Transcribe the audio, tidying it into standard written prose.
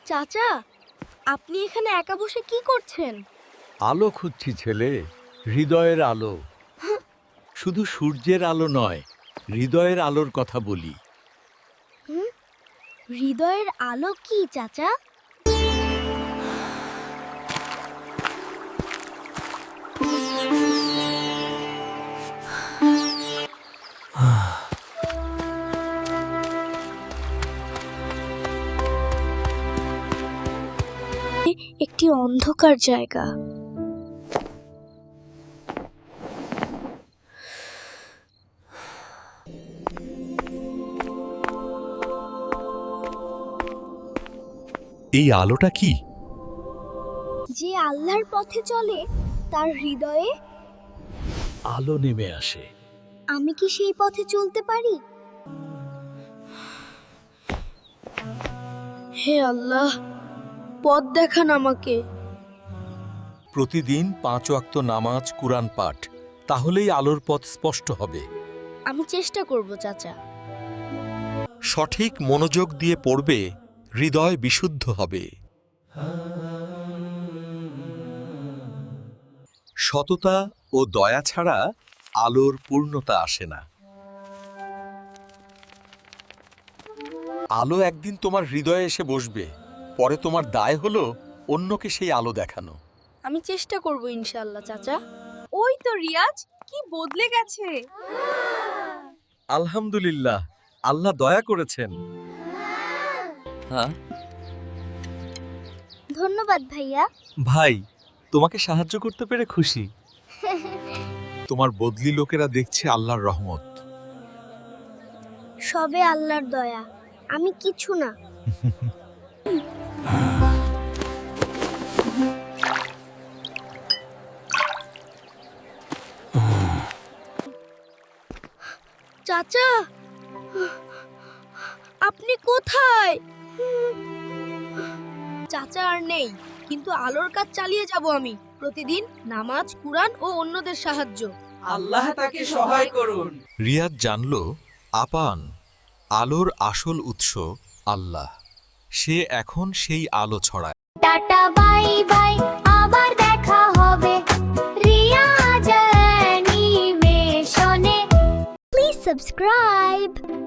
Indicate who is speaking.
Speaker 1: চাচা, আপনি এখানে একা বসে কি করছেন?
Speaker 2: আলো খুঁজছি ছেলে, হৃদয়ের আলো। শুধু সূর্যের আলো নয়, হৃদয়ের আলোর কথা বলি।
Speaker 1: হৃদয়ের আলো কি চাচা? একটি অন্ধকার জায়গা।
Speaker 2: এই আলোটা কি?
Speaker 1: যে আল্লাহর পথে চলে তার হৃদয়ে
Speaker 2: আলো নেমে আসে।
Speaker 1: আমি কি সেই পথে চলতে পারি? হে আল্লাহ, পথ দেখান আমাকে।
Speaker 2: প্রতিদিন 5 ওয়াক্ত নামাজ, কুরআন পাঠ, তাহলেই আলোর পথ স্পষ্ট হবে।
Speaker 1: আমি চেষ্টা করব চাচা।
Speaker 2: সঠিক মনোযোগ দিয়ে পড়বে, হৃদয় বিশুদ্ধ হবে। সততা ও দয়া ছাড়া আলোর পূর্ণতা আসে না। আলো একদিন তোমার হৃদয়ে এসে বসবে, পরে তোমার দায় হলো অন্যকে সেই আলো দেখানো।
Speaker 1: আমি চেষ্টা করব ইনশাআল্লাহ চাচা।
Speaker 3: ওই তো রিয়াজ, কি বদলে গেছে।
Speaker 2: আলহামদুলিল্লাহ, আল্লাহ দয়া করেছেন। হ্যাঁ
Speaker 1: ধন্যবাদ ভাইয়া।
Speaker 2: ভাই, তোমাকে সাহায্য করতে পেরে খুশি। তোমার বদলি লোকেরা দেখছে আল্লাহর রহমত।
Speaker 1: সবে আল্লাহর দয়া, আমি কিছু না। চাচা, আপনি কোথায়? চাচা আর নেই, কিন্তু আলোর কাজ চালিয়ে যাব আমি। প্রতিদিন নামাজ, কুরআন ও অন্যদের সাহায্য।
Speaker 3: আল্লাহ তাকে সহায় করুন।
Speaker 2: রিয়াদ জানল, আপান আলোর আসল উৎস আল্লাহ। সে এখন সেই আলো ছড়ায়।
Speaker 4: টাটা বাই বাই, আবার দেখা হবে রিয়া জার্নি মেশনে।
Speaker 1: Please subscribe.